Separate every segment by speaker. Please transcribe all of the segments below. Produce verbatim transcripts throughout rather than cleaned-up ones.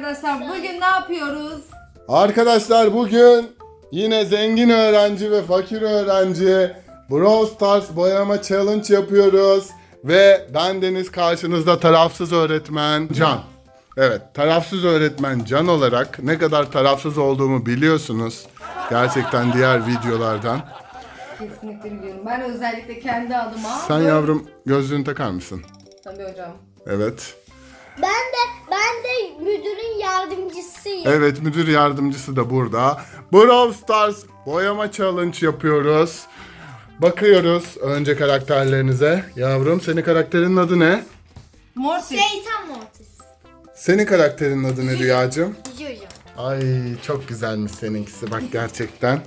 Speaker 1: arkadaşlar. Bugün ne yapıyoruz?
Speaker 2: Arkadaşlar bugün yine zengin öğrenci ve fakir öğrenci Brawl Stars boyama challenge yapıyoruz. Ve ben Deniz, karşınızda tarafsız öğretmen Can. Evet, tarafsız öğretmen Can olarak ne kadar tarafsız olduğumu biliyorsunuz. Gerçekten diğer videolardan.
Speaker 1: Kesinlikle biliyorum. Ben özellikle kendi adıma...
Speaker 2: Sen yavrum gözlüğünü takar mısın?
Speaker 1: Tabii hocam.
Speaker 2: Evet.
Speaker 3: Ben de ben de müdürün yardımcısıyım.
Speaker 2: Evet, müdür yardımcısı da burada. Brawl Stars boyama challenge yapıyoruz. Bakıyoruz önce karakterlerinize. Yavrum, senin karakterinin adı ne?
Speaker 1: Mortis.
Speaker 3: Şeytan Mortis.
Speaker 2: Senin karakterinin adı ne Rüyacığım?
Speaker 3: Jojo.
Speaker 2: Ay çok güzelmiş seninkisi bak gerçekten.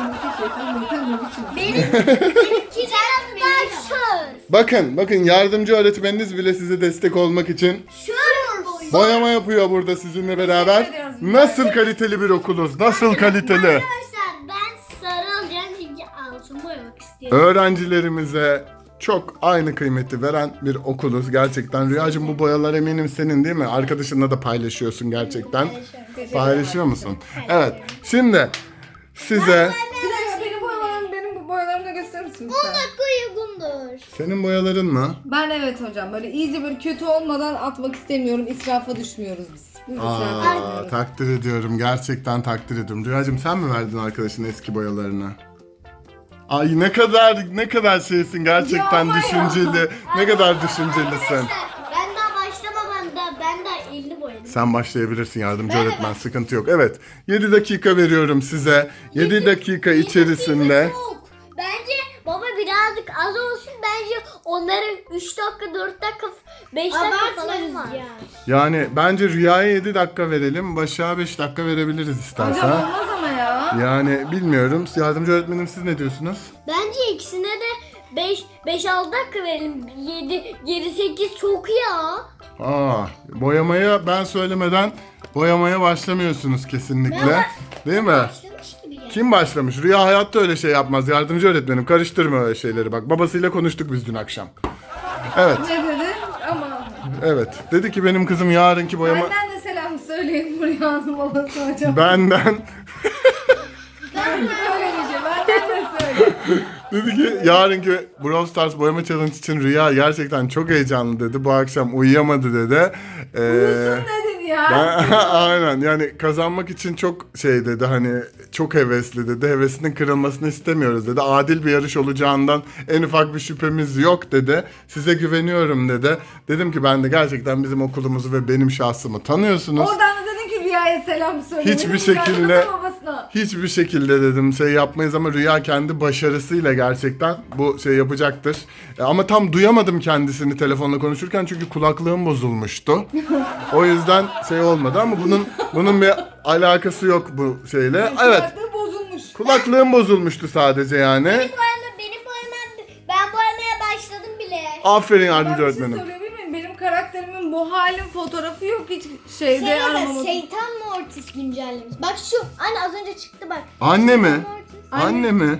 Speaker 3: Benim benimki daha şör.
Speaker 2: Bakın bakın yardımcı öğretmeniniz bile size destek olmak için
Speaker 3: Şör boyu.
Speaker 2: boyama yapıyor burada sizinle beraber. Nasıl kaliteli bir okuluz? Nasıl kaliteli?
Speaker 3: Arkadaşlar ben sarı alacağım çünkü altın boyamak istiyorum.
Speaker 2: Öğrencilerimize çok aynı kıymeti veren bir okuluz gerçekten. Rüyacığım, bu boyalar eminim senin değil mi? Arkadaşınla da paylaşıyorsun gerçekten. Paylaşıyor musun? Evet. Şimdi size
Speaker 1: Bir dakika, benim boyalarım, benim boyalarımı da gösterir misin
Speaker 3: on
Speaker 1: lütfen?
Speaker 3: dakika uygundur.
Speaker 2: senin boyaların mı?
Speaker 1: Ben evet hocam. Böyle iyice böyle kötü olmadan atmak istemiyorum. İsrafa düşmüyoruz biz. Biz israfa
Speaker 2: Aa,
Speaker 1: düşmüyoruz.
Speaker 2: takdir ediyorum. Gerçekten takdir ediyorum. Rüyacığım, sen mi verdin arkadaşın eski boyalarını? Ay ne kadar ne kadar şeysin gerçekten,
Speaker 1: Ya ama ya.
Speaker 2: düşünceli. Ne kadar düşüncelisin.
Speaker 3: Arkadaşlar ben daha başlamadan da ben daha elli boyadım.
Speaker 2: Sen başlayabilirsin, yardımcı öğretmen, sıkıntı yok. Evet, yedi dakika veriyorum size. yedi dakika içerisinde.
Speaker 3: Çok. Bence baba birazcık az olsun. Bence onların üç dakika, dört dakika, beş dakika falan var.
Speaker 2: Yani bence Rüya'ya yedi dakika verelim. Başak'a beş dakika verebiliriz istersen.
Speaker 1: Hocam olmaz ama ya.
Speaker 2: Yani bilmiyorum. Yardımcı öğretmenim, siz ne diyorsunuz?
Speaker 3: Bence ikisine de beş beş altı dakika verelim. yedi yedi sekiz çok ya.
Speaker 2: Aa, boyamaya ben söylemeden boyamaya başlamıyorsunuz kesinlikle. Değil mi?
Speaker 3: Başlamış gibi ya.
Speaker 2: Kim başlamış? Rüya hayatta öyle şey yapmaz. Yardımcı öğretmenim, karıştırma öyle şeyleri bak. Babasıyla konuştuk biz dün akşam. Evet,
Speaker 1: Ne dedi? Ama
Speaker 2: evet. Dedi ki benim kızım yarınki boyama...
Speaker 1: benden de selam söyleyin buraya hanım babası hocam.
Speaker 2: Benden...
Speaker 1: Öyle bir şey. Benden de söyle.
Speaker 2: Dedi ki yarınki Brawl Stars boyama challenge için Rüya gerçekten çok heyecanlı dedi. Bu akşam uyuyamadı dedi. Ee,
Speaker 1: Uyusun dedin ya.
Speaker 2: ben, aynen, yani kazanmak için çok şey dedi, hani çok hevesli dedi. Hevesinin kırılmasını istemiyoruz dedi. Adil bir yarış olacağından en ufak bir şüphemiz yok dedi. Size güveniyorum dedi. Dedim ki ben de gerçekten bizim okulumuzu ve benim şahsımı tanıyorsunuz.
Speaker 1: Oradan da dedin ki Rüya'ya selam söyle.
Speaker 2: Hiçbir
Speaker 1: Dedim,
Speaker 2: şekilde-
Speaker 1: Rüya'nın da babasına.
Speaker 2: Hiçbir şekilde dedim şey yapmayız ama Rüya kendi başarısıyla gerçekten bu şey yapacaktır. E, ama tam duyamadım kendisini telefonla konuşurken çünkü kulaklığım bozulmuştu. O yüzden şey olmadı ama bunun bunun bir alakası yok bu şeyle. Evet,
Speaker 1: Kulaklığı bozulmuş.
Speaker 2: kulaklığım bozulmuştu sadece yani.
Speaker 3: Benim boyama, benim boyamam, ben boyamaya başladım bile.
Speaker 2: Aferin
Speaker 1: Ben
Speaker 2: yardımcı
Speaker 1: bir şey
Speaker 2: öğretmenim.
Speaker 1: söyleyebilir miyim? Benim karakterimin bu halin fotoğrafı yok hiç şeyde
Speaker 3: Şey
Speaker 1: aramamız.
Speaker 3: Şeytan Mortis güncellemiş. Bak şu, anne az önce çıktı bak.
Speaker 2: Anne mi?
Speaker 3: Mortis.
Speaker 2: Anne mi?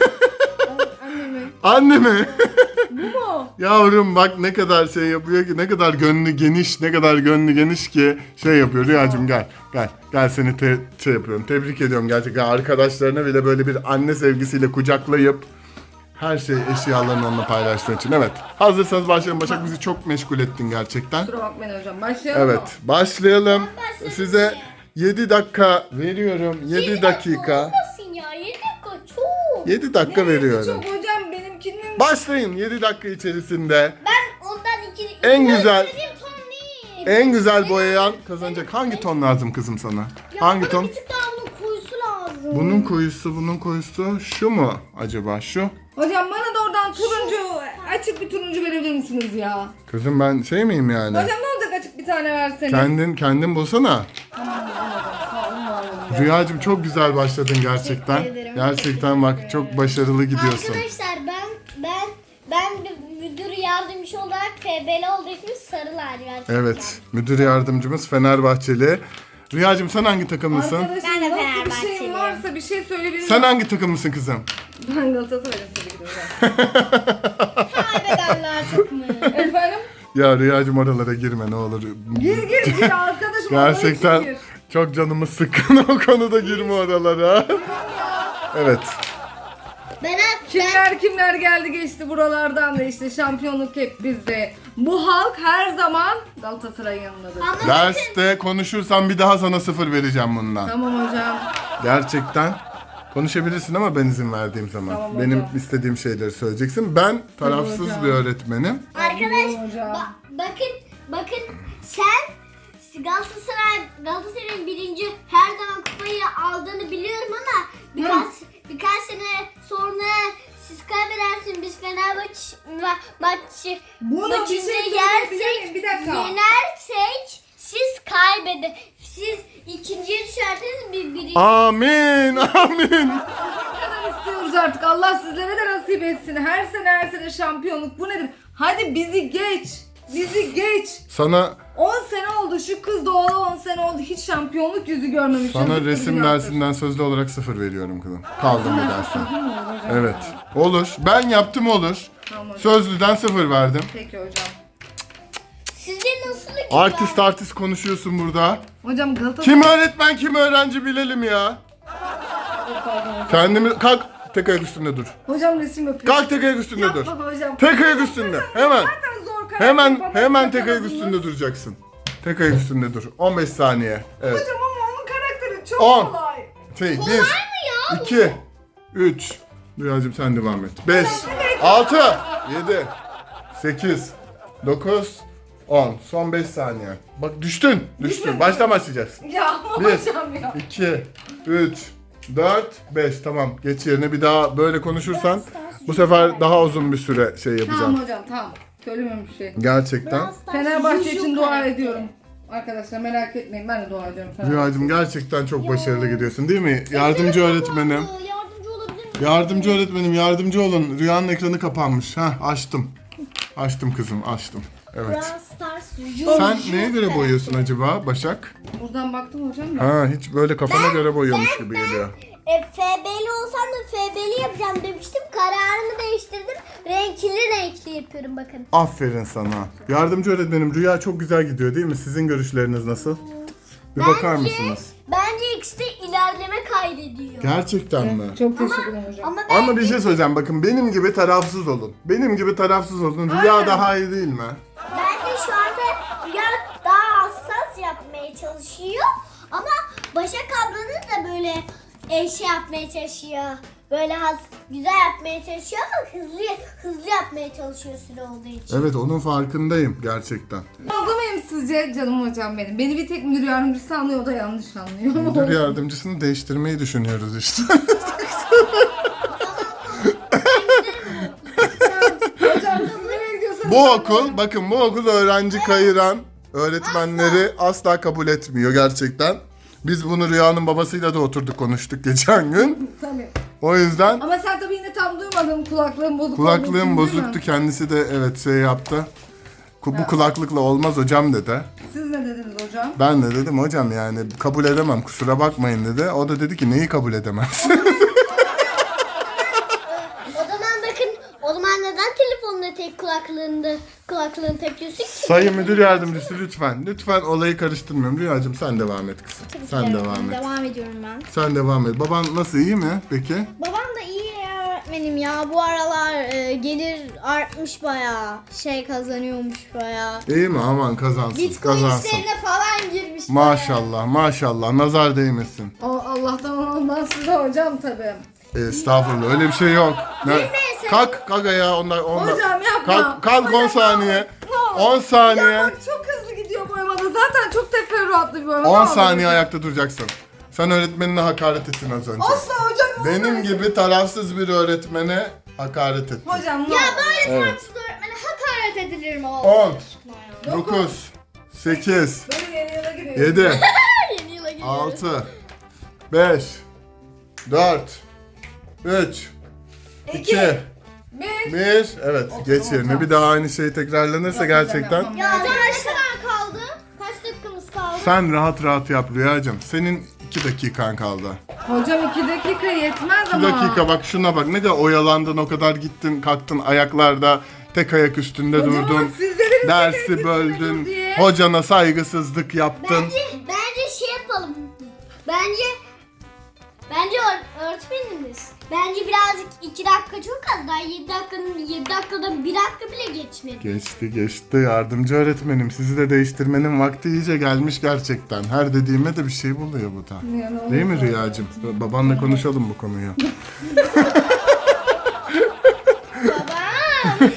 Speaker 1: Annemi.
Speaker 2: Anne mi?
Speaker 1: Bu mu?
Speaker 2: Yavrum bak ne kadar şey yapıyor ki, ne kadar gönlü geniş, ne kadar gönlü geniş ki şey yapıyor. Rüyacığım gel, gel, gel seni te- şey yapıyorum, tebrik ediyorum gerçekten. Arkadaşlarına bile böyle bir anne sevgisiyle kucaklayıp her şey eşyalarını onunla paylaştığın için. Evet, hazırsanız başlayalım. Başak, bizi çok meşgul ettin gerçekten.
Speaker 1: Kusura bakmayın hocam. Başlayalım mı?
Speaker 2: Evet, başlayalım.
Speaker 3: başladım
Speaker 2: Size
Speaker 3: ya.
Speaker 2: yedi dakika veriyorum, yedi dakika.
Speaker 3: Olmasın ya, yedi dakika çok.
Speaker 2: yedi dakika
Speaker 1: Neresi
Speaker 2: veriyorum.
Speaker 1: çok hocam benimkinin.
Speaker 2: Başlayın yedi dakika içerisinde.
Speaker 3: Ben ondan iki...
Speaker 2: En güzel-
Speaker 3: istediğim ton değil.
Speaker 2: En güzel boyayan kazanacak. Hangi ton lazım kızım sana?
Speaker 3: Ya
Speaker 2: Hangi
Speaker 3: bana
Speaker 2: ton?
Speaker 3: bir tık daha bunun kuyusu lazım.
Speaker 2: Bunun koyusu, bunun koyusu şu mu acaba? Şu.
Speaker 1: Hocam bana da oradan turuncu, açık bir turuncu verebilir misiniz ya?
Speaker 2: Kızım ben şey miyim yani?
Speaker 1: Hocam ne olacak açık bir tane verseniz?
Speaker 2: Kendin kendin bulsana.
Speaker 1: Sağ olun, var olun.
Speaker 2: Rüyacığım çok güzel başladın gerçekten.
Speaker 3: Teşekkür ederim.
Speaker 2: Gerçekten bak çok başarılı gidiyorsun.
Speaker 3: Arkadaşlar ben ben ben bir müdür yardımcısı olarak F B L olduğu için sarı lacivert.
Speaker 2: Evet, müdür yardımcımız Fenerbahçeli. Rüyacığım sen hangi takımlısın?
Speaker 1: Arkadaşım
Speaker 3: Ben de
Speaker 1: nasıl bir
Speaker 3: Fenerbahçeliyim.
Speaker 1: şeyin varsa bir şey söyleyebilir
Speaker 2: Sen
Speaker 1: miyim?
Speaker 2: hangi takımlısın kızım?
Speaker 1: Ben Galatasaray'ım tabii ki de hocam.
Speaker 3: Kaybedenler takımı.
Speaker 1: Efendim?
Speaker 2: Ya Rüyacığım oralara girme ne olur.
Speaker 1: Gir gir gir arkadaş
Speaker 2: Gerçekten
Speaker 1: Fikir.
Speaker 2: çok canımız sıkkın o konuda, girme oralara. Evet.
Speaker 3: Ben
Speaker 1: Kimler kimler geldi geçti buralardan da işte şampiyonluk hep bizde. Bu halk her zaman Galatasaray'ın yanındadır.
Speaker 3: ama
Speaker 2: Derste konuşursam bir daha sana sıfır vereceğim bundan.
Speaker 1: Tamam hocam.
Speaker 2: Gerçekten. Konuşabilirsin ama ben izin verdiğim zaman.
Speaker 1: Tamam
Speaker 2: Benim
Speaker 1: hocam.
Speaker 2: istediğim şeyleri söyleyeceksin. Ben tarafsız
Speaker 1: hocam.
Speaker 2: bir öğretmenim.
Speaker 3: arkadaş
Speaker 1: Tamam hocam.
Speaker 3: ba- bakın bakın sen Galatasaray Galatasaray'ın birinci her zaman kupayı aldığını biliyorum ama birkaç birkaç sene sonra siz kaybedersiniz, biz Fenerbahçe ma- maçı
Speaker 1: Bunu bir
Speaker 3: maçını
Speaker 1: şey söyleyebilir miyim?
Speaker 3: yersek,
Speaker 1: Bir dakika.
Speaker 3: yenersek siz kaybedin. Siz ikinciye düşerseniz bir birinci.
Speaker 2: Amin, amin.
Speaker 1: Bu kadar istiyoruz artık. Allah sizlere de nasip etsin. Her sene her sene şampiyonluk. Bu nedir? Hadi bizi geç. Bizi geç.
Speaker 2: Sana
Speaker 1: on sene oldu. Şu kız doğalı on sene oldu. Hiç şampiyonluk yüzü görmemiş.
Speaker 2: sana
Speaker 1: Yazıktır,
Speaker 2: resim
Speaker 1: günahtır.
Speaker 2: dersinden sözlü olarak sıfır veriyorum kızım. Kaldım bu dersten. Evet. Olur. Ben yaptım, olur.
Speaker 1: Tamam hocam.
Speaker 2: Sözlüden sıfır verdim.
Speaker 1: Peki hocam.
Speaker 3: Sizce nasıl ki?
Speaker 2: Artist artist konuşuyorsun burada.
Speaker 1: Hocam Galatasaray...
Speaker 2: Kim öğretmen kim öğrenci bilelim ya. Kendimi kalk, tek ayak üstünde dur.
Speaker 1: Hocam resim yapıyor.
Speaker 2: Kalk, tek ayak üstünde dur.
Speaker 1: Yapma hocam.
Speaker 2: Tek ayak üstünde. Hemen.
Speaker 1: Zaten zor karakter
Speaker 2: Hemen
Speaker 1: yapamaz,
Speaker 2: hemen tek ayak
Speaker 1: yapamadınız.
Speaker 2: üstünde duracaksın. Tek ayak üstünde dur. on beş saniye. Evet.
Speaker 1: Hocam ama onun karakteri çok
Speaker 2: On.
Speaker 1: kolay.
Speaker 2: Şey, bir, iki, üç. Rüyacığım sen devam et. Beş, altı, yedi, sekiz, dokuz, on. Son beş saniye. Bak düştün, düştün. Baştan başlayacaksın.
Speaker 1: Ya
Speaker 2: Bir,
Speaker 1: hocam ya.
Speaker 2: iki, üç, dört, beş. Tamam, geç yerine. Bir daha böyle konuşursan bu sefer daha uzun bir süre şey yapacağım.
Speaker 1: Tamam hocam tamam. Söylemem bir şey.
Speaker 2: Gerçekten.
Speaker 1: Fenerbahçe için dua ediyorum. Arkadaşlar merak etmeyin, ben de dua ediyorum.
Speaker 2: Rüyacığım gerçekten çok başarılı gidiyorsun değil mi? Yardımcı öğretmenim.
Speaker 3: Yardımcı olabilir miyim?
Speaker 2: Yardımcı öğretmenim, yardımcı olun. Rüyanın ekranı kapanmış. Heh, açtım. Açtım kızım, açtım. Evet.
Speaker 3: Brawl Stars.
Speaker 2: Sen neye göre boyuyorsun acaba Başak?
Speaker 1: Buradan baktım hocam da.
Speaker 2: Ha, hiç böyle kafana göre boyuyormuş gibi geliyor.
Speaker 3: E, F B'li olsam da F B'li yapacağım demiştim. Kararımı değiştirdim. Renkli renkli yapıyorum bakın.
Speaker 2: Aferin sana. Yardımcı öğretmenim, Rüya çok güzel gidiyor değil mi? Sizin görüşleriniz nasıl? Bir bakar mısınız?
Speaker 3: Bence ikisi de ilerleme kaydediyor.
Speaker 2: Gerçekten mi?
Speaker 1: Çok teşekkür ederim hocam.
Speaker 3: Ama ben
Speaker 2: Ama bir şey söyleyeceğim, bakın benim gibi tarafsız olun. Benim gibi tarafsız olun. Rüya daha iyi değil mi?
Speaker 3: bence şu anda Rüya daha hassas yapmaya çalışıyor. Ama Başak ablanız da böyle e, şey yapmaya çalışıyor. Böyle has, güzel yapmaya çalışıyor ama hızlı hızlı yapmaya çalışıyor süre olduğu için.
Speaker 2: Evet, onun farkındayım gerçekten.
Speaker 1: Fazla mıyım sizce canım hocam benim? Beni bir tek müdür yardımcısı anlıyor, o da yanlış anlıyor.
Speaker 2: Müdür yardımcısını değiştirmeyi düşünüyoruz işte.
Speaker 1: Hocam siz nereye gidiyorsanız...
Speaker 2: Bu okul, bakın bu okul öğrenci kayıran öğretmenleri asla kabul etmiyor gerçekten. Biz bunu Rüya'nın babasıyla da oturduk konuştuk geçen gün.
Speaker 1: Tabii.
Speaker 2: O yüzden
Speaker 1: Ama sen tabii yine tam duymadın, kulaklığın bozuk olduğu
Speaker 2: kulaklığım
Speaker 1: için, değil mi?
Speaker 2: bozuktu, kendisi de evet şey yaptı. Ku- Bu kulaklıkla olmaz hocam dedi.
Speaker 1: Siz ne dediniz hocam?
Speaker 2: Ben de dedim hocam yani kabul edemem, kusura bakmayın dedi. O da dedi ki neyi kabul edemezsin?
Speaker 3: O zaman bakın, o zaman neden telefonla tek kulaklığında kulaklığını takıyorsun ki?
Speaker 2: Sayın müdür yardımcısı lütfen, lütfen olayı karıştırmıyorum. Rüyacığım sen devam et kızım. Sen devam et.
Speaker 3: Devam ediyorum ben.
Speaker 2: Sen devam et. Baban nasıl, iyi mi peki?
Speaker 4: Babam da iyi öğretmenim ya. Bu aralar e, gelir artmış bayağı. Şey kazanıyormuş bayağı.
Speaker 2: İyi mi? Aman kazansın,
Speaker 4: Bitcoin
Speaker 2: kazansın.
Speaker 4: işlerine falan girmiş bayağı.
Speaker 2: Maşallah, maşallah. Nazar değmesin.
Speaker 1: O Allah'tan ondan size hocam tabii.
Speaker 2: Estağfurullah, öyle bir şey yok. Ne? Kalk, kalk ayağa. Onlar, onlar.
Speaker 1: Hocam yapma.
Speaker 2: Kalk, kalk on
Speaker 1: Hocam,
Speaker 2: saniye.
Speaker 1: ne olur.
Speaker 2: on saniye.
Speaker 1: Ya bak çok hızlı gidiyor boyamada. Zaten çok teferruatlı bir boyama.
Speaker 2: on
Speaker 1: Ne olur.
Speaker 2: saniye ayakta duracaksın. Sen öğretmenine hakaret ettin az önce.
Speaker 1: Asla hocam. ne
Speaker 2: Benim
Speaker 1: olur.
Speaker 2: gibi tarafsız bir öğretmene hakaret ettin.
Speaker 1: Hocam ne
Speaker 4: Ya
Speaker 1: olur.
Speaker 4: böyle
Speaker 2: Evet.
Speaker 4: tarafsız öğretmene hakaret edilir mi oğlum?
Speaker 2: on,
Speaker 1: Dokuz.
Speaker 2: dokuz, sekiz,
Speaker 1: Böyle yeni yıla giriyoruz.
Speaker 2: yedi,
Speaker 4: Yeni yıla giriyoruz.
Speaker 2: altı, beş, dört, üç, iki,
Speaker 1: Bir.
Speaker 2: bir. Evet, geç yerine. Bir daha aynı şey tekrarlanırsa
Speaker 1: Yapmayacağım,
Speaker 2: gerçekten
Speaker 1: yapmam.
Speaker 4: Ya hocam kaç kadar kaldı? Kaç dakikamız kaldı?
Speaker 2: sen rahat rahat yap Rüyacığım. Senin iki dakikan kaldı.
Speaker 1: Hocam iki dakika yetmez
Speaker 2: iki
Speaker 1: ama.
Speaker 2: dakika bak şuna bak, ne kadar oyalandın, o kadar gittin kalktın ayaklarda, tek ayak üstünde
Speaker 1: Hocam ama
Speaker 2: durdun.
Speaker 1: siz dediniz ki tek
Speaker 2: Dersi
Speaker 1: üstüne
Speaker 2: böldün.
Speaker 1: dur diye.
Speaker 2: Hocana saygısızlık yaptın.
Speaker 3: Bence, bence şey yapalım. Bence Bence öğ- öğretmenimiz. Bence birazcık iki dakika çok az. Daha yedi dakikanın yedi dakikada bir dakika bile geçmedi.
Speaker 2: Geçti geçti yardımcı öğretmenim. Sizi de değiştirmenin vakti iyice gelmiş gerçekten. Her dediğime de bir şey buluyor bu da.
Speaker 1: Ya, ne
Speaker 2: Değil mi
Speaker 1: olur.
Speaker 2: Rüyacığım? Babanla konuşalım bu konuyu.
Speaker 3: Baba.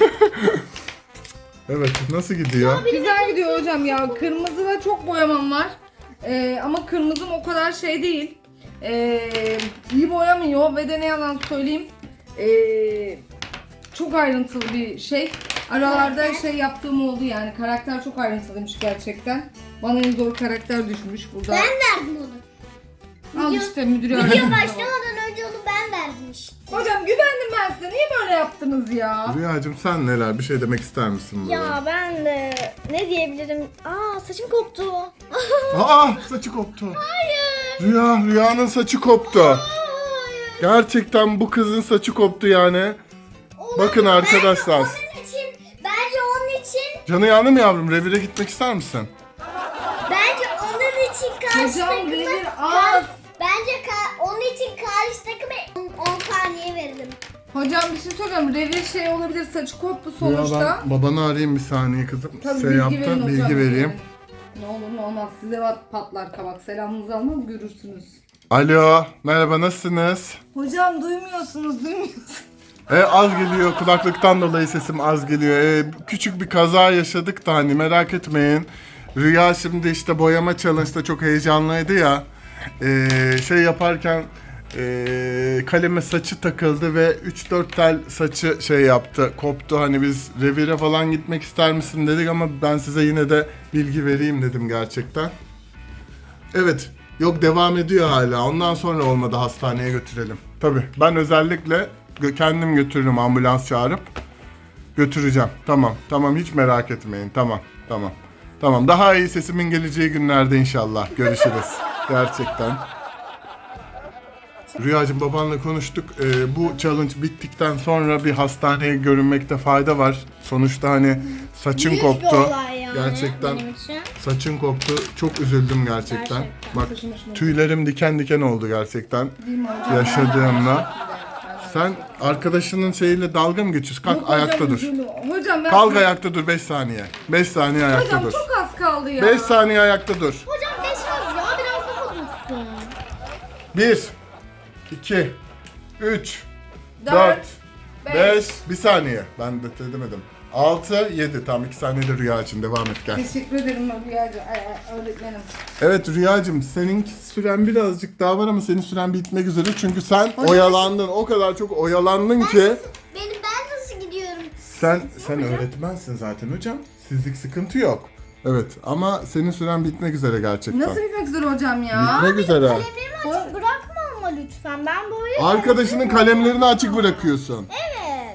Speaker 2: Evet, nasıl gidiyor?
Speaker 1: Güzel gidiyor hocam ya. Kırmızıda çok boyamam var. Ee, ama kırmızım o kadar şey değil. Ee, iyi boyamıyor ve de ne yalan söyleyeyim. Ee, çok ayrıntılı bir şey. Aralarda şey yaptığım oldu yani. Karakter çok ayrıntılıymış gerçekten. Bana en zor karakter düşmüş burada.
Speaker 3: Ben verdim onu.
Speaker 1: Al
Speaker 3: Video-
Speaker 1: işte müdürü
Speaker 3: Video
Speaker 1: öğrendim.
Speaker 3: başlamadan önce onu ben verdim işte.
Speaker 1: Hocam güvendim ben size. Niye böyle yaptınız ya?
Speaker 2: Rüyacığım sen neler? Bir şey demek ister misin burada?
Speaker 4: Ya ben de ne diyebilirim? Aa saçım koptu.
Speaker 2: Aa, saçı koptu.
Speaker 4: Hayır.
Speaker 2: Rüya, Rüya'nın saçı koptu.
Speaker 4: Hayır.
Speaker 2: Gerçekten bu kızın saçı koptu yani. Bakın arkadaşlar.
Speaker 3: Onun için, bence onun için,
Speaker 2: Canı yandı mı yavrum? Revire gitmek ister misin?
Speaker 3: bence onun için karşı
Speaker 1: Hocam
Speaker 3: takıma,
Speaker 1: devir az.
Speaker 3: bence ka- onun için karşı takıma on saniye veririm.
Speaker 1: Hocam bir şey soracağım. Revir şey olabilir. Saçı koptu
Speaker 2: Rüya
Speaker 1: sonuçta.
Speaker 2: ben babanı arayayım bir saniye kızım.
Speaker 1: Tabii
Speaker 2: Şey
Speaker 1: bilgi
Speaker 2: yaptı,
Speaker 1: verin
Speaker 2: bilgi
Speaker 1: hocam.
Speaker 2: vereyim.
Speaker 1: Ne olur ne olmaz. Size pat- patlar kabak. Selamınızı almaz görürsünüz.
Speaker 2: Alo, merhaba nasılsınız?
Speaker 1: Hocam duymuyorsunuz, duymuyorsunuz.
Speaker 2: E, az geliyor, kulaklıktan dolayı sesim az geliyor. E, küçük bir kaza yaşadık da hani merak etmeyin. Rüya şimdi işte boyama challenge'da çok heyecanlıydı ya. E, şey yaparken e, kaleme saçı takıldı ve üç dört tel saçı şey yaptı, koptu. Hani biz revire falan gitmek ister misin dedik ama ben size yine de bilgi vereyim dedim gerçekten. Evet, yok devam ediyor hala. Ondan sonra olmadı hastaneye götürelim. Tabii ben özellikle gö- kendim götürürüm ambulans çağırıp götüreceğim. Tamam, tamam hiç merak etmeyin. Tamam, tamam. Tamam, daha iyi sesimin geleceği günlerde inşallah. Görüşürüz. Gerçekten. Rüyacığım babanla konuştuk. Ee, bu challenge bittikten sonra bir hastaneye görünmekte fayda var. Sonuçta hani saçın
Speaker 4: Büyük bir
Speaker 2: koptu.
Speaker 4: olay yani
Speaker 2: Gerçekten
Speaker 4: benim için.
Speaker 2: saçın koptu. Çok üzüldüm gerçekten.
Speaker 4: Gerçekten.
Speaker 2: Bak
Speaker 1: Saçım başım
Speaker 2: tüylerim diken diken oldu gerçekten.
Speaker 1: Değil mi hocam?
Speaker 2: Yaşadığımla. Sen arkadaşının şeyiyle dalga mı geçiyorsun? Kalk
Speaker 1: Yok hocam,
Speaker 2: ayakta dur.
Speaker 1: üzüldüm. Hocam ben...
Speaker 2: Kalk ayakta dur beş saniye. beş saniye ayakta
Speaker 1: Hocam
Speaker 2: dur.
Speaker 1: çok az kaldı ya.
Speaker 2: beş saniye ayakta dur.
Speaker 4: Hocam beş az ya biraz daha dursun.
Speaker 2: bir iki üç
Speaker 1: Dört,
Speaker 2: dört
Speaker 1: beş.
Speaker 2: beş bir saniye. Ben de demedim. altı yedi Tam iki saniyede Rüya için devam et gel.
Speaker 1: Teşekkür ederim Rüyacığım, ay, ay, öğretmenim.
Speaker 2: Evet Rüyacığım senin süren birazcık daha var ama senin süren bitmek üzere çünkü sen oyalandın. O kadar çok oyalandın ki.
Speaker 3: Benim ben nasıl gidiyorum?
Speaker 2: Sen sen öğretmensin zaten hocam. Sizlik sıkıntı yok. Evet ama senin süren bitmek üzere gerçekten.
Speaker 1: Nasıl bitmek üzere hocam ya?
Speaker 2: Bitmek üzere.
Speaker 3: Kalemlerimi
Speaker 4: Açık bırakma ama lütfen. Ben böyle...
Speaker 2: Arkadaşının kalemlerini açık bırakıyorsun.
Speaker 4: Evet.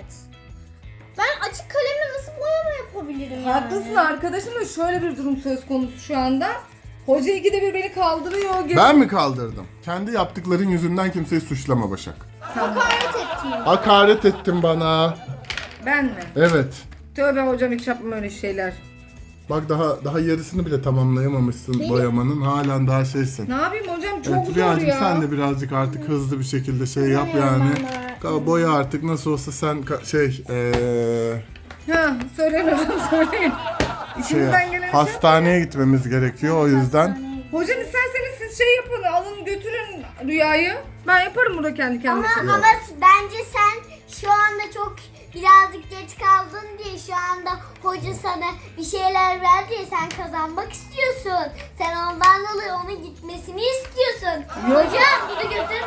Speaker 4: Ben açık kalemle nasıl boyama yapabilirim yani?
Speaker 1: Haklısın arkadaşım da şöyle bir durum söz konusu şu anda. Hoca ikide bir beni kaldırıyor.
Speaker 2: Ben mi kaldırdım? Kendi yaptıkların yüzünden kimseyi suçlama Başak.
Speaker 4: Hakaret ettim.
Speaker 2: Hakaret ettin bana.
Speaker 1: Ben mi?
Speaker 2: Evet.
Speaker 1: Tövbe hocam hiç yapmam öyle şeyler.
Speaker 2: Bak daha daha yarısını bile tamamlayamamışsın boyamanın. Halen daha şeysin.
Speaker 1: Ne yapayım hocam çok
Speaker 2: Evet
Speaker 1: zor
Speaker 2: Rüyacığım
Speaker 1: ya.
Speaker 2: sen de birazcık artık hızlı bir şekilde şey yap
Speaker 4: Bilmiyorum
Speaker 2: yani.
Speaker 4: ben de.
Speaker 2: Ka- Boya artık nasıl olsa sen ka- şey eee
Speaker 1: Ha söyleyin hocam söyleyin.
Speaker 2: şey
Speaker 1: İçimizden gelen şey.
Speaker 2: hastaneye gitmemiz gerekiyor o yüzden.
Speaker 1: Hocam isterseniz siz şey yapın alın götürün Rüya'yı. Ben yaparım burada kendi
Speaker 3: Ama,
Speaker 1: kendime.
Speaker 3: ama bence sen şu anda çok birazcık geç kaldın diye şu anda hoca sana bir şeyler verdi diye sen kazanmak istiyorsun. Sen ondan dolayı onun gitmesini istiyorsun. Hocam bunu götür.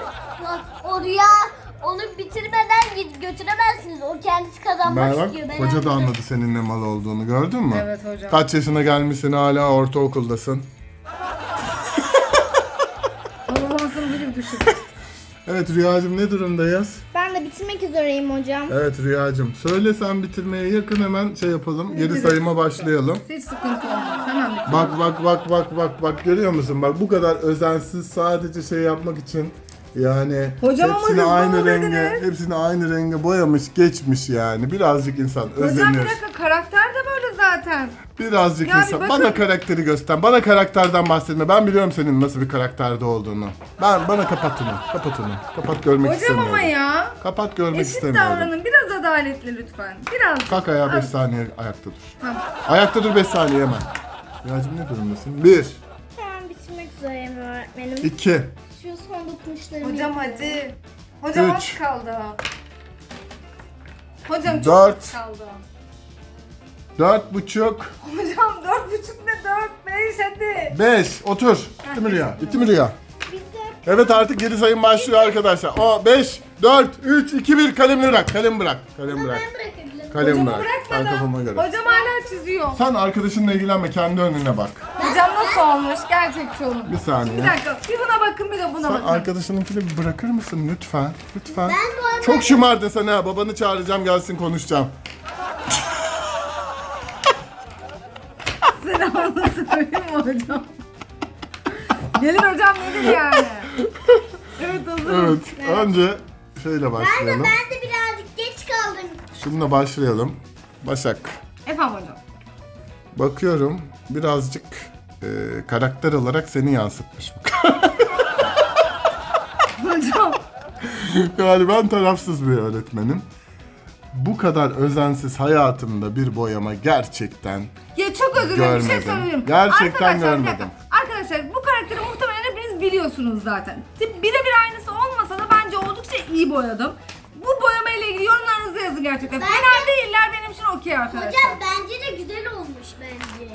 Speaker 3: O rüya onu bitirmeden git götüremezsiniz. O kendisi kazanmak
Speaker 2: Ben
Speaker 3: istiyor.
Speaker 2: bak
Speaker 3: Ben
Speaker 2: hoca da
Speaker 3: anladım.
Speaker 2: anladı senin ne mal olduğunu gördün mü?
Speaker 1: Evet hocam.
Speaker 2: Kaç yaşına gelmişsin hala ortaokuldasın.
Speaker 1: Olmasın bilir düşün.
Speaker 2: Evet Rüyacığım ne durumdayız?
Speaker 4: Ben de bitirmek üzereyim hocam.
Speaker 2: Evet Rüyacığım söyle sen bitirmeye yakın hemen şey yapalım. Geri
Speaker 1: Bitirin.
Speaker 2: sayıma başlayalım.
Speaker 1: Hiç sıkıntı olmaz. Hemen bitir.
Speaker 2: Bak bak bak bak bak bak görüyor musun? Bak bu kadar özensiz sadece şey yapmak için yani
Speaker 1: Hocam ama
Speaker 2: hepsini
Speaker 1: hızlı
Speaker 2: aynı
Speaker 1: ol
Speaker 2: renge,
Speaker 1: dediniz.
Speaker 2: hepsini aynı renge boyamış, geçmiş yani. Birazcık insan
Speaker 1: Hocam
Speaker 2: özenir.
Speaker 1: bir dakika karakter de böyle zaten. zaten.
Speaker 2: Birazcık
Speaker 1: Yani
Speaker 2: insan.
Speaker 1: bakın-
Speaker 2: Bana karakteri göster. Bana karakterden bahsetme. Ben biliyorum senin nasıl bir karakterde olduğunu. Ben bana kapat onu. Kapat onu. Kapat görmek
Speaker 1: Hocam
Speaker 2: istemiyorum.
Speaker 1: ama ya.
Speaker 2: Kapat görmek
Speaker 1: Eşit
Speaker 2: istemiyorum.
Speaker 1: davranın. Biraz adaletli lütfen. Biraz.
Speaker 2: Kalk ayağa beş
Speaker 1: Az.
Speaker 2: saniye ayakta dur.
Speaker 1: Tamam.
Speaker 2: Ayakta dur beş saniye hemen. Rüyacığım ne durumdasın? bir,
Speaker 4: Tamam bitirmek üzereyim öğretmenim.
Speaker 2: iki,
Speaker 4: Şu son dokunuşlarımı
Speaker 1: Hocam
Speaker 4: yapıyorum.
Speaker 1: hadi. Hocam az
Speaker 2: Üç.
Speaker 1: kaldı. Hocam çok
Speaker 2: Dört.
Speaker 1: az kaldı.
Speaker 2: dört buçuk,
Speaker 1: Hocam dört buçuk ne dört beş hadi.
Speaker 2: beş. Otur. Bitti mi Rüya? Bitti mi Rüya?
Speaker 4: Bitti.
Speaker 2: Evet artık geri sayım başlıyor arkadaşlar. O beş, dört, üç, iki, bir. Kalemi bırak. Kalem bırak. Kalem bırak.
Speaker 3: Ben bırakabilirim.
Speaker 2: Kalem
Speaker 1: Hocamı
Speaker 2: bırak. Sen
Speaker 1: bırakmadan.
Speaker 2: kafama göre.
Speaker 1: Hocam hala çiziyor.
Speaker 2: Sen arkadaşınla ilgilenme. Kendi önüne bak.
Speaker 1: Hocam nasıl olmuş? Gerçekçi olun.
Speaker 2: Bir saniye.
Speaker 1: Bir dakika. Bir buna bakın bir de buna
Speaker 2: Sen
Speaker 1: bakın.
Speaker 2: arkadaşınınkini bir bırakır mısın lütfen? Lütfen.
Speaker 3: Ben bu arada
Speaker 2: Çok şımardın sen ha. Babanı çağıracağım gelsin konuşacağım.
Speaker 1: Selamını söyleyeyim mi hocam? Gelin hocam nedir yani? Evet hazırız.
Speaker 2: Evet. Önce şeyle
Speaker 3: ben de,
Speaker 2: başlayalım.
Speaker 3: ben de birazcık geç kaldım.
Speaker 2: Şununla başlayalım. Başak.
Speaker 1: Efendim hocam.
Speaker 2: Bakıyorum birazcık e, karakter olarak seni yansıtmış bu.
Speaker 1: Hocam.
Speaker 2: Yani ben tarafsız bir öğretmenim. Bu kadar özensiz hayatımda bir boyama gerçekten
Speaker 1: Ya çok özür dilerim bir şey
Speaker 2: Görmedim.
Speaker 1: söyleyeyim.
Speaker 2: Gerçekten
Speaker 1: Arkadaşlar, bir
Speaker 2: görmedim.
Speaker 1: dakika. Arkadaşlar bu karakteri muhtemelen hepiniz biliyorsunuz zaten. Tip birebir aynısı olmasa da bence oldukça iyi boyadım. Bu boyama ile ilgili yorumlarınızı yazın gerçekten.
Speaker 3: Ben
Speaker 1: Fena değiller benim için okey arkadaşlar.
Speaker 3: Hocam bence de güzel olmuş bence.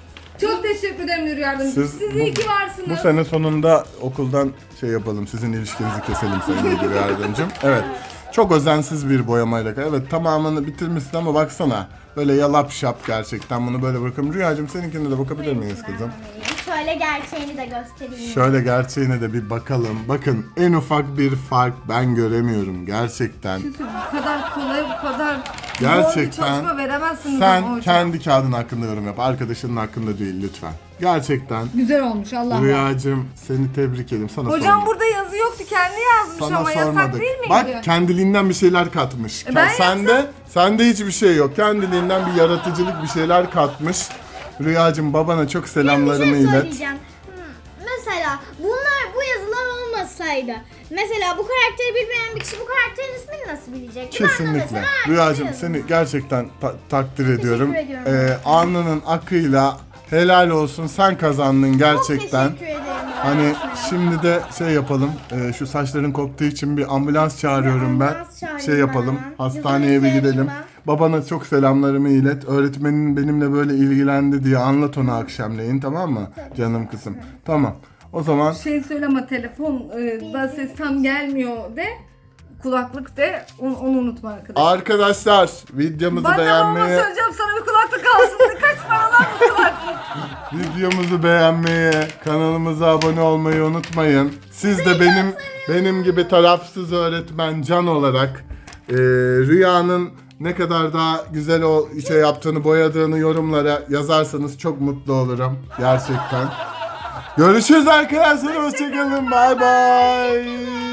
Speaker 1: Çok teşekkür ederim Nuri Yardımcı. Siz,
Speaker 2: Siz
Speaker 1: iyi
Speaker 2: bu-
Speaker 1: ki varsınız.
Speaker 2: bu sene sonunda okuldan şey yapalım, sizin ilişkinizi keselim Sayın Müdür Yardımcım. Evet, çok özensiz bir boyamayla. Evet, tamamını bitirmişsin ama baksana. Böyle yalap şap gerçekten, bunu böyle bırakalım. Rüyacığım seninkine de bakabilir miyiz kızım?
Speaker 4: Şöyle gerçeğini de göstereyim.
Speaker 2: Şöyle gerçeğine de bir bakalım. Bakın en ufak bir fark ben göremiyorum gerçekten.
Speaker 1: Bu kadar kolay, bu kadar
Speaker 2: Gerçekten
Speaker 1: zor bir çalışma veremezsiniz ama
Speaker 2: Sen
Speaker 1: hocam.
Speaker 2: kendi kağıdın hakkında yorum yap. Arkadaşının hakkında değil lütfen. Gerçekten.
Speaker 1: Güzel olmuş Allah Allah.
Speaker 2: Rüyacığım seni tebrik ederim. Sana
Speaker 1: Hocam
Speaker 2: sormadım.
Speaker 1: burada yazı yoktu kendi yazmış
Speaker 2: Sana
Speaker 1: ama yasak
Speaker 2: sormadık.
Speaker 1: değil miydi?
Speaker 2: Bak kendiliğinden bir şeyler katmış.
Speaker 1: E ben
Speaker 2: sende sende hiçbir şey yok. Kendiliğinden bir yaratıcılık bir şeyler katmış. Rüyacığım babana çok
Speaker 4: Bir
Speaker 2: selamlarımı
Speaker 4: şey
Speaker 2: ilet.
Speaker 4: söyleyeceğim. Hmm, Mesela bunlar bu yazılar olmasaydı. Mesela bu karakteri bilmeyen bir kişi bu karakterin ismini nasıl bilecek? Ben de
Speaker 2: Kesinlikle.
Speaker 4: mesela
Speaker 2: Rüyacığım
Speaker 4: yazdım.
Speaker 2: seni gerçekten ta- takdir ediyorum.
Speaker 4: ediyorum.
Speaker 2: Ee, alnının akıyla helal olsun sen kazandın gerçekten.
Speaker 4: Çok teşekkür ederim.
Speaker 2: Hani
Speaker 4: öğretmenim.
Speaker 2: şimdi de şey yapalım. e, şu saçların koptuğu için bir ambulans çağırıyorum ben.
Speaker 4: ambulans çağırayım
Speaker 2: Şey yapalım.
Speaker 4: ben.
Speaker 2: Hastaneye
Speaker 4: Yazılı
Speaker 2: bir gidelim.
Speaker 4: yazayım
Speaker 2: Babana çok selamlarımı ilet. Öğretmenin benimle böyle ilgilendi diye anlat ona akşamleyin, tamam mı? Canım kızım. Tamam. O zaman
Speaker 1: Şey söyleme telefon e, da ses tam gelmiyor de. Kulaklık de onu, onu unutma arkadaşlar.
Speaker 2: arkadaşlar videomuzu
Speaker 1: Ben de babama
Speaker 2: beğenmeyi,
Speaker 1: söyleyeceğim sana bir kulaklık alsın de kaç paralar bu kulaklık.
Speaker 2: videomuzu beğenmeyi, kanalımıza abone olmayı unutmayın. Siz de benim benim gibi tarafsız öğretmen Can olarak e, Rüya'nın ne kadar daha güzel o şey yaptığını, boyadığını yorumlara yazarsanız çok mutlu olurum gerçekten. Görüşürüz arkadaşlar, hoşçakalın, bay bay.